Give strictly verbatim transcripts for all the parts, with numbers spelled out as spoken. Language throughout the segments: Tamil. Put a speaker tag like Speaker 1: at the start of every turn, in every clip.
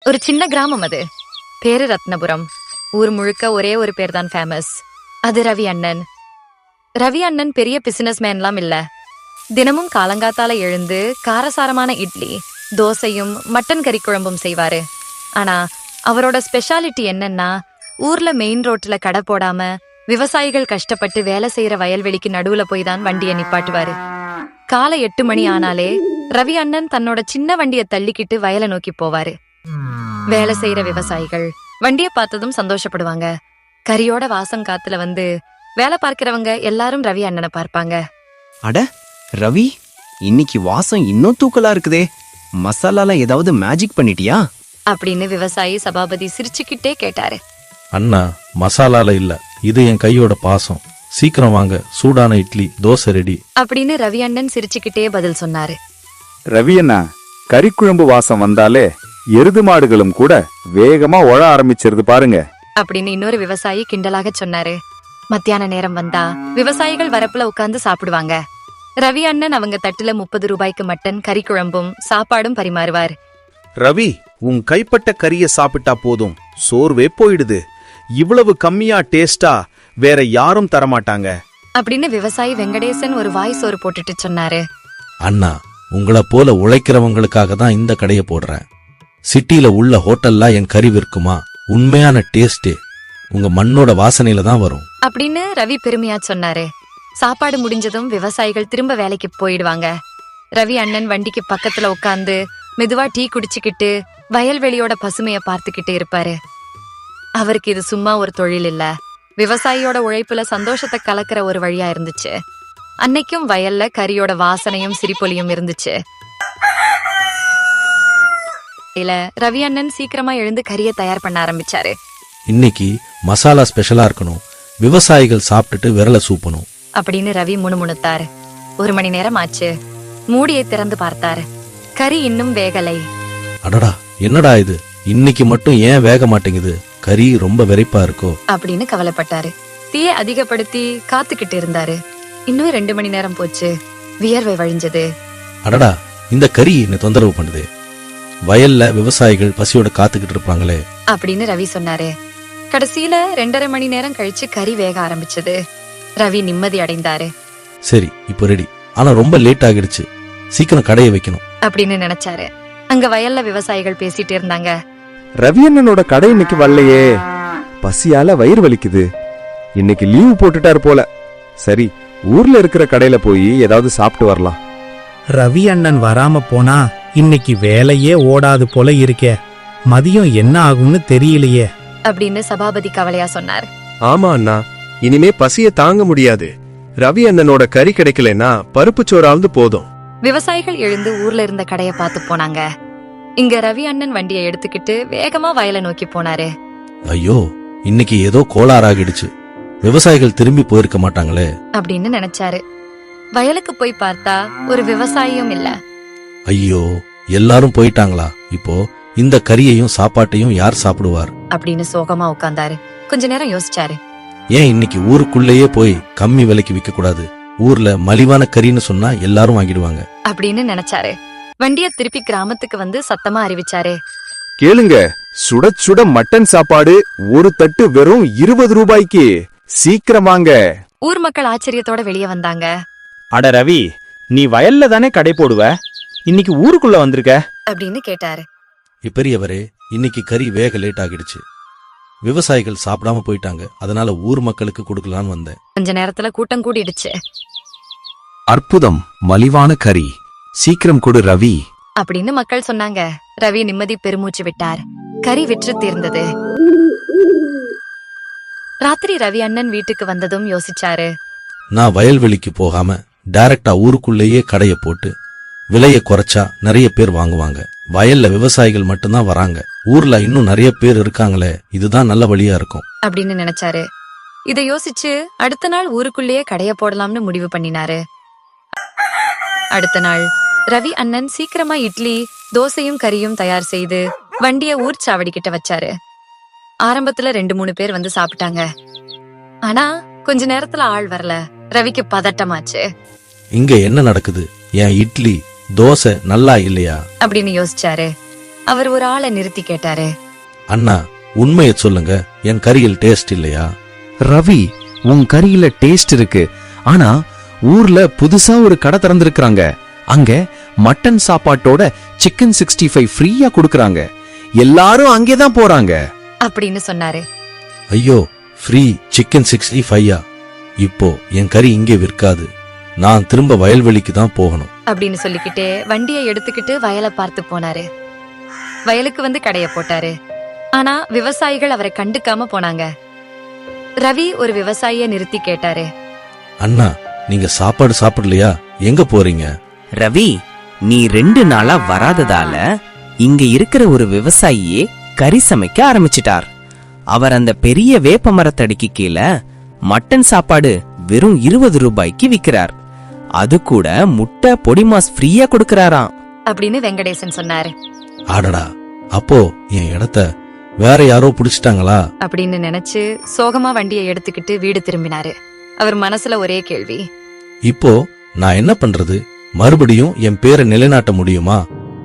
Speaker 1: ஒரு சின்ன கிராமம் அது. பேரு ரத்னபுரம். ஊர் முழுக்க ஒரே ஒரு பேர் தான் ஃபேமஸ். அது ரவி அண்ணன். ரவி அண்ணன் பெரிய பிசினஸ் மேன்லாம் இல்ல. தினமும் காலங்காத்தால எழுந்து காரசாரமான இட்லி, தோசையும் மட்டன் கறி குழம்பும் செய்வாரு. ஆனா அவரோட ஸ்பெஷாலிட்டி என்னன்னா, ஊர்ல மெயின் ரோட்ல கடை போடாம விவசாயிகள் கஷ்டப்பட்டு வேலை செய்யற வயல்வெளிக்கு நடுவுல போய் தான் வண்டியை நிப்பாட்டுவாரு. காலை எட்டு மணி ஆனாலே ரவி அண்ணன் தன்னோட சின்ன வண்டியை தள்ளிக்கிட்டு வயலை நோக்கி போவாரு. வேலை செய்யற விவசாயிகள் வண்டியை பார்த்ததும் சந்தோஷப்படுவாங்க. கரியோட வாசம் காத்துல வந்து வேலை பார்க்கிறவங்க எல்லாரும் ரவி அண்ணனை பார்ப்பாங்க.
Speaker 2: அட ரவி, இன்னைக்கு வாசம் இன்னும் தூக்கலா இருக்குதே, மசாலால ஏதாவது மேஜிக் பண்ணிட்டியா
Speaker 1: அப்படின்னு விவசாயி சபாபதி சிரிச்சுக்கிட்டே கேட்டாரு.
Speaker 3: அண்ணா, மசாலால இல்ல, இது என் கையோட பாசம். சீக்கிரம் வாங்க, சூடான இட்லி தோசை ரெடி
Speaker 1: அப்படின்னு ரவி அண்ணன் சிரிச்சுக்கிட்டே பதில் சொன்னாரு.
Speaker 4: ரவி அண்ணா, கறிக்குழம்பு வாசம் வந்தாலே எருது மாடுகளும் கூட வேகமா ஒழ ஆரம்பிச்சிருது பாருங்க
Speaker 1: அப்படின்னு இன்னொரு விவசாயி கிண்டலாக சொன்னாரு. மத்தியான நேரம் வந்தா விவசாயிகள் வரப்புல உட்கார்ந்து சாப்பிடுவாங்க. ரவி அண்ணன் அவங்க தட்டுல முப்பது ரூபாய்க்கு மட்டன் கறி குழம்பும் சாப்பாடும் பரிமாறுவார்.
Speaker 5: ரவி, உன் கைப்பட்ட கறிய சாப்பிட்டா போதும், சோர்வே போயிடுது. இவ்வளவு கம்மியா டேஸ்டா வேற யாரும் தரமாட்டாங்க
Speaker 1: அப்படின்னு விவசாயி வெங்கடேசன் ஒரு வாய் சோறு போட்டுட்டு சொன்னாரு.
Speaker 3: அண்ணா, உங்களை போல உழைக்கிறவங்களுக்காக தான் இந்த கடையை போடுறேன். சிட்டில உள்ள ஹோட்டல்ல என் கறி விற்குமா? உண்மையான டேஸ்டே உங்க மண்ணோட வாசனையில தான் வரும்
Speaker 1: அப்படின்னு ரவி பெருமையா சொன்னாரு. சாப்பாடு முடிஞ்சதும் விவசாயிகள் திரும்ப வேலைக்கு போயிடுவாங்க. ரவி அண்ணன் வண்டிக்கு பக்கத்துல உட்கார்ந்து மெதுவா டீ குடிச்சுக்கிட்டு வயல்வெளியோட பசுமைய பார்த்துக்கிட்டு இருப்பாரு. அவருக்கு இது சும்மா ஒரு தொழில் இல்ல, விவசாயியோட உழைப்புல சந்தோஷத்தை கலக்கிற ஒரு வழியா இருந்துச்சு. அன்னைக்கும் வயல்ல கரியோட வாசனையும் சிரிப்பொலியும் இருந்துச்சு. இல்ல, ரவி அண்ணன் சீக்கிரமா எழுந்து கறியை தயார் பண்ண ஆரம்பிச்சாரு.
Speaker 3: இன்னைக்கு மசாலா ஸ்பெஷலா இருக்கணும், விவசாயிகள் சாப்பிட்டுட்டு விரல சூப்பணும்
Speaker 1: அப்படின்னு ரவி முணுமுணுத்தாரு. ஒரு மணி நேரம் ஆச்சு. மூடியை திறந்து பார்த்தாரு. கறி இன்னும் வேகலை.
Speaker 3: அடடா, என்னடா இது, இன்னைக்கு மட்டும் ஏன் வேக மாட்டேங்குது? கறி ரொம்ப வெரைப்பா இருக்கோ
Speaker 1: அப்படின்னு கவலைப்பட்டாரு. தீயை அதிகப்படுத்தி காத்துக்கிட்டு இருந்தாரு. இன்னும் ரெண்டு மணி நேரம் போச்சு. வியர்வை வழிஞ்சது.
Speaker 3: அடடா, இந்த கறி என்ன தொந்தரவு பண்ணுது. வயல்ல விவசாயிகள் பசியோட காத்துக்கிட்டு இருப்பாங்களே
Speaker 1: அப்படின்னு ரவி சொன்னாரு. கடைசியில ரெண்டரை மணி நேரம் கழிச்சு கறி வேக ஆரம்பிச்சது. ரவி நிம்மதி அடைந்தாரு.
Speaker 3: சரி, இப்போ ரெடி. ஆனா ரொம்ப லேட் ஆகிடுச்சு, சீக்கிரம் கடையை வைக்கணும்
Speaker 1: அப்படின்னு நினைச்சாரு. அங்க வயல்ல விவசாயிகள் பேசிட்டு இருந்தாங்க.
Speaker 4: ரவி அண்ணனோட கடை இன்னைக்கு வரலையே, பசியால வயிறு வலிக்குது. இன்னைக்கு லீவு போட்டுட்டாரு போல. சரி, ஊர்ல இருக்கிற கடையில போய் ஏதாவது சாப்பிட்டு வரலாம்.
Speaker 6: ரவி அண்ணன் வராம போனா இன்னைக்கு வேலையே ஓடாது போல இருக்கே. மதியம் என்ன ஆகும்னு தெரியலையே
Speaker 1: அப்படின்னு சபாபதி கவலையா சொன்னார்.
Speaker 7: ஆமா அண்ணா, இனிமே பசிய தாங்க முடியாது. ரவி அண்ணனோட கறி கிடைக்கலன்னா பருப்பு சோறாவது போதும்.
Speaker 1: விவசாயிகள் எழுந்து ஊர்ல இருந்த கடைய பார்த்து போனாங்க. இங்க ரவி அண்ணன் வண்டியை எடுத்துக்கிட்டு வேகமா வயலை நோக்கி போனாரு.
Speaker 3: ஐயோ, இன்னைக்கு ஏதோ கோளாறாகிடுச்சு, விவசாயிகள் திரும்பி போயிருக்க மாட்டாங்களே
Speaker 1: அப்படின்னு நினைச்சாரு. வயலுக்கு போய் பார்த்தா ஒரு விவசாயியும் இல்ல.
Speaker 3: ஐயோ, எல்லாரும் போயிட்டாங்களா? இப்போ இந்த கறியையும் சாப்பாட்டையும் யார் சாப்பிடுவார்
Speaker 1: அப்படின்னு சோகமா உட்கார்ந்தாரு. கொஞ்ச நேரம் யோசிச்சாரு.
Speaker 3: ஏன் இன்னைக்கு ஊருக்குள்ளேயே போய் கம்மி விலைக்கு விற்க கூடாது? ஊர்ல மலிவான கறின்னு சொன்னா எல்லாரும் வாங்கிடுவாங்க
Speaker 1: அப்படின்னு நினைச்சாரு. வண்டிய திருப்பி கிராமத்துக்கு வந்து சத்தமா அறிவிச்சாரு.
Speaker 4: கேளுங்க, சுட சுட மட்டன் சாப்பாடு ஒரு தட்டு வெறும் இருபது ரூபாய்க்கு, சீக்கிரம் வாங்க.
Speaker 1: ஊர் மக்கள் ஆச்சரியத்தோட வெளியே வந்தாங்க.
Speaker 2: அட ரவி, நீ வயல்ல தானே கடை போடுவ, இன்னைக்கு ஊருக்குள்ள வந்திருக்க
Speaker 1: அப்படின்னு கேட்டாரு.
Speaker 3: பெரியவரே, இன்னைக்கு கறி வேக லேட் ஆகிடுச்சு, விவசாயிகள் சாப்பிடாம போயிட்டாங்க, அதனால ஊர் மக்களுக்கு கொடுக்கலான்னு வந்தேன்.
Speaker 1: கொஞ்ச நேரத்துல கூட்டம் கூடிடுச்சு.
Speaker 2: அற்புதம், மலிவான கறி, சீக்கிரம் கொடு ரவி
Speaker 1: அப்படின்னு மக்கள் சொன்னாங்க. ரவி நிம்மதி பெருமூச்சு விட்டார். கறி விற்று தீர்ந்தது. ராத்திரி ரவி அண்ணன் வீட்டுக்கு வந்ததும் யோசிச்சாரு.
Speaker 3: நான் வயல்வெளிக்கு போகாம டைரக்டா ஊருக்குள்ளேயே கடைய போட்டு விலையை குறைச்சா நிறைய பேர் வாங்குவாங்க. வயல்ல விவசாயிகள் மட்டும்தான் வராங்க, ஊர்ல இன்னும் நிறைய பேர் இருக்காங்களே, இதுதான் நல்ல வழியா இருக்கும்
Speaker 1: அப்படின்னு நினைச்சாரு. இதை யோசிச்சு அடுத்த நாள் ஊருக்குள்ளேயே கடைய போடலாம்னு முடிவு பண்ணினாரு. அடுத்த நாள் ரவி அண்ணன் சீக்கிரமா இட்லி, தோசையும் கறியும் தயார் செய்து வண்டிய ஊர் சாவடி கிட்ட வச்சாரு. ஆரம்பத்துல ரெண்டு மூணு பேர் வந்து சாப்பிட்டாங்க. ஆனா கொஞ்ச நேரத்துல ஆள் வரல. ரவிக்கு பதட்டமாச்சு.
Speaker 3: இங்க என்ன நடக்குது? என் இட்லி தோசை நல்லா இல்லையா
Speaker 1: அப்படின்னு யோசிச்சாரு. அவர் ஒரு ஆளை நிறுத்தி கேட்டாரு.
Speaker 3: அண்ணா, உண்மையை சொல்லுங்க, என் கறியில் டேஸ்ட் இல்லையா?
Speaker 2: ரவி, உன் கறியில டேஸ்ட் இருக்கு. ஆனா ஊர்ல புதுசா ஒரு கடை திறந்திருக்காங்க. அங்க மட்டன் சாப்பாட்டோட சிக்கன் சிக்ஸ்டி ஃபைவ் ஃப்ரீயா கொடுக்கறாங்க. எல்லாரும் அங்கேதான் போறாங்க
Speaker 1: அப்படின்னு சொன்னாரு.
Speaker 3: ஐயோ, ஃப்ரீ சிக்கன் சிக்ஸ்டி ஃபைவா? இப்போ என் கறி இங்கே விற்காது. நான் திரும்ப வயல்வெளிக்கு தான் போகணும்
Speaker 1: அப்படின்னு சொல்லிக்கிட்டே வண்டியை எடுத்துக்கிட்டு வயலை பார்த்து போனாரு. வயலுக்கு வந்து கடைய போட்டாரு. ஆனா விவசாயிகள் அவரை கண்டுக்காம போனாங்க. ரவி ஒரு விவசாயிய நிறுத்தி கேட்டாரு.
Speaker 3: அண்ணா, நீங்க சாப்பாடு சாப்பிடலையா? எங்க போறீங்க?
Speaker 2: ரவி, நீ ரெண்டு நாளா வராததால இங்க இருக்கிற ஒரு விவசாயியே கறி சமைக்க ஆரம்பிச்சிட்டார். அவர் அந்த பெரிய வேப்ப மரத்தடிக்கு கீழே மட்டன் சாப்பாடு வெறும் இருபது ரூபாய்க்கு விக்கிறார். அது கூட முட்டை பொடிமாஸ் ஃப்ரீயா கொடுக்கறாராம்
Speaker 1: அப்படின்னு வெங்கடேசன் சொன்னாரு.
Speaker 3: ஆடடா, அப்போ என் இடத்த வேற யாரோ புடிச்சிட்டாங்களா
Speaker 1: அப்படின்னு நினைச்சு சோகமா வண்டியை எடுத்துக்கிட்டு வீடு திரும்பினாரு. அவர் மனசுல ஒரே கேள்வி.
Speaker 3: இப்போ நான் என்ன பண்றது? மறுபடியும் என் பேரை நிலைநாட்ட முடியுமா?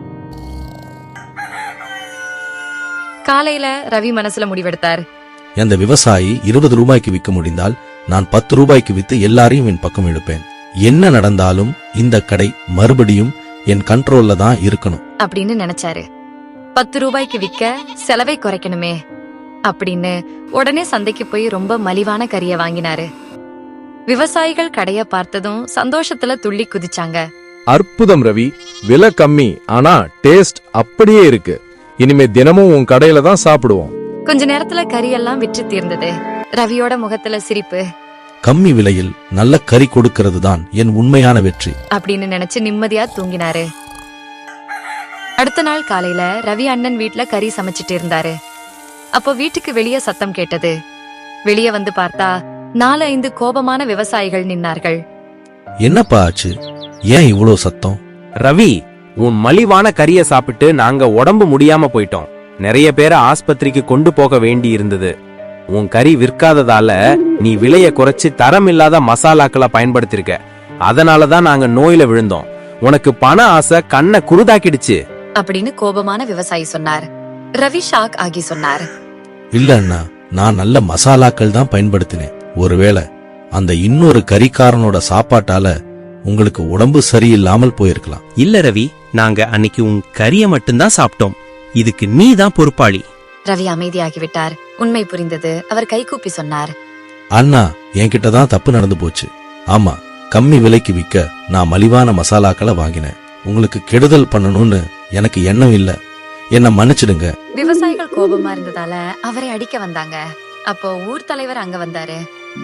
Speaker 1: காலையில ரவி மனசுல முடிவெடுத்தார்.
Speaker 3: அந்த விவசாயி இருபது ரூபாய்க்கு விற்க முடிந்தால் நான் பத்து ரூபாய்க்கு வித்து எல்லாரையும் என் பக்கம் இழுப்பேன். என்ன நடந்தாலும் இந்த கடை மறுபடியும் என் கண்ட்ரோல்ல தான் இருக்கணும்
Speaker 1: அப்படின்னு நினைச்சாரு. பத்து ரூபாய்க்கு விற்க செலவை குறைக்கணுமே அப்படின்னு உடனே சந்தைக்கு போய் ரொம்ப மலிவான கறிய வாங்கினாரு. விவசாயிகள் கடைய பார்த்ததும் சந்தோஷத்துல துள்ளி குதிச்சாங்க.
Speaker 4: அற்புதம் ரவி, விலை கம்மி ஆனா டேஸ்ட் அப்படியே இருக்கு. இனிமே தினமும் உன் கடையில தான் சாப்பிடுவோம்.
Speaker 1: கொஞ்ச நேரத்துல கறியெல்லாம் விற்று தீர்ந்தது. ரவியோட முகத்துல சிரிப்பு.
Speaker 3: கம்மி விலையில் நல்ல கறி கொடுக்கிறது தான் என் உண்மையான வெற்றி
Speaker 1: அப்படின்னு நினைச்சு நிம்மதியா தூங்கினாரு. அடுத்த நாள் காலையில ரவி அண்ணன் வீட்ல கறி சமைச்சிட்டு இருந்தாரு. அப்போ வீட்டுக்கு வெளியே சத்தம் கேட்டது. வெளியே வந்து பார்த்தா நாலு ஐந்து கோபமான விவசாயிகள் நின்னார்கள்.
Speaker 3: என்னப்பா ஆச்சு? ஏன் இவ்வளோ சத்தம்?
Speaker 8: ரவி, உன் மலிவான கறிய சாப்பிட்டு நாங்க உடம்பு முடியாம போயிட்டோம். நிறைய பேரை ஆஸ்பத்திரிக்கு கொண்டு போக வேண்டி இருந்தது. உன் கறி விற்காததால நீ விலைய குறைச்சு தரம் இல்லாத மசாலாக்களை பயன்படுத்திருக்க. அதனாலதான் நாங்க நோயில விழுந்தோம். உனக்கு பண ஆசை கண்ணை குருதாக்கிடுச்சு
Speaker 1: அப்படின்னு கோபமான விவசாயி சொன்னார். ரவி ஷாக் ஆகி சொன்னார்.
Speaker 3: இல்ல அண்ணா, நான் நல்ல மசாலாக்கள் தான் பயன்படுத்தினேன். ஒருவேளை அந்த இன்னொரு கறிக்காரனோட சாப்பாட்டால உங்களுக்கு உடம்பு சரியில்லாமல் போயிருக்கலாம்.
Speaker 9: இல்ல ரவி, நாங்க அன்னைக்கு உன் கறிய மட்டும்தான் சாப்பிட்டோம். இதுக்கு நீ தான் பொறுப்பாளி.
Speaker 1: ரவி அமைதியாகிவிட்டார். உண்மை புரிந்தது. அவர் கைகூப்பி சொன்னார்.
Speaker 3: அண்ணா, என்கிட்ட தான் தப்பு நடந்து போச்சு. ஆமா, கம்மி விலைக்கு விற்க நான் மலிவான மசாலாக்களை வாங்கினேன். உங்களுக்கு கெடுதல் பண்ணணும்னு எனக்கு எண்ணம் இல்ல. என்ன மன்னிச்சிடுங்க.
Speaker 1: விவசாயிகள் கோபமா இருந்ததால அவரை அடிக்க வந்தாங்க. அப்போ ஊர் தலைவர் அங்க வந்தாரு.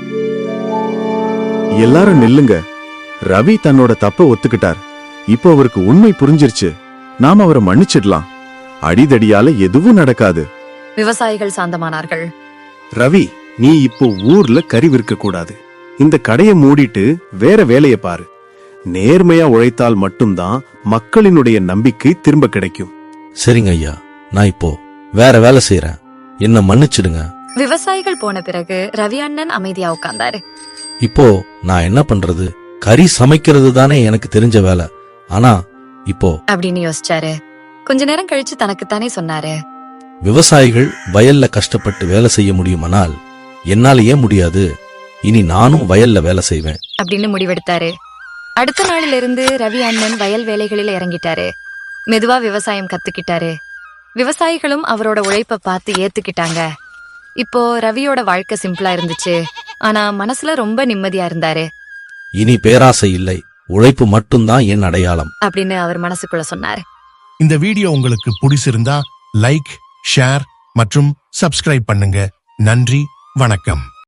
Speaker 4: எல்லாரும் நில்லுங்க. ரவி தன்னோட தப்ப ஒத்துக்கிட்டார். இப்போ அவருக்கு உண்மை புரிஞ்சிருச்சு. நாம அவரை மன்னிச்சிடலாம். அடிதடியால எதுவும் நடக்காது.
Speaker 1: விவசாயிகள் சாந்தமானார்கள்.
Speaker 5: ரவி, நீ இப்போ ஊர்ல கறி விற்க கூடாது. இந்த கடையை மூடிட்டு வேற வேலைய பாரு. நேர்மையா உழைத்தால் மட்டும்தான் மக்களினுடைய நம்பிக்கை திரும்ப கிடைக்கும்.
Speaker 3: சரிங்க ஐயா, நான் இப்போ வேற வேலை செய்யறேன். என்ன மன்னிச்சிடுங்க.
Speaker 1: விவசாயிகள் போன பிறகு ரவி அண்ணன் அமைதியா உட்கார்ந்தாரு.
Speaker 3: இப்போ நான் என்ன பண்றது? கறி சமைக்கிறது தானே எனக்கு தெரிஞ்ச வேலை. ஆனா இப்போ
Speaker 1: அப்படின்னு யோசிச்சாரு. கொஞ்ச நேரம் கழிச்சு தனக்குத்தானே சொன்னாரு.
Speaker 3: விவசாயிகள் வயல்ல கஷ்டப்பட்டு வேலை செய்ய முடியுமானால் என்னால ஏன் முடியாது? இனி நானும் வயல்ல வேலை செய்வேன்
Speaker 1: அப்படின்னு முடிவெடுத்தாரு. அடுத்த நாளில இருந்து ரவி அண்ணன் வயல் வேலைகளில் இறங்கிட்டாரு. மெதுவா விவசாயம் கத்துக்கிட்டாரு. விவசாயிகளும் அவரோட உழைப்ப பார்த்து ஏத்துக்கிட்டாங்க. இப்போ ரவியோட வாழ்க்கை சிம்பிளா இருந்துச்சு. ஆனா மனசுல ரொம்ப நிம்மதியா இருந்தாரு.
Speaker 3: இனி பேராசை இல்லை, உழைப்பு மட்டும்தான் என் அடையாளம்
Speaker 1: அப்படின்னு அவர் மனசுக்குள்ள சொன்னாரு.
Speaker 10: இந்த வீடியோ உங்களுக்கு பிடிச்சிருந்தா லைக், ஷேர் மற்றும் சப்ஸ்கிரைப் பண்ணுங்க. நன்றி, வணக்கம்.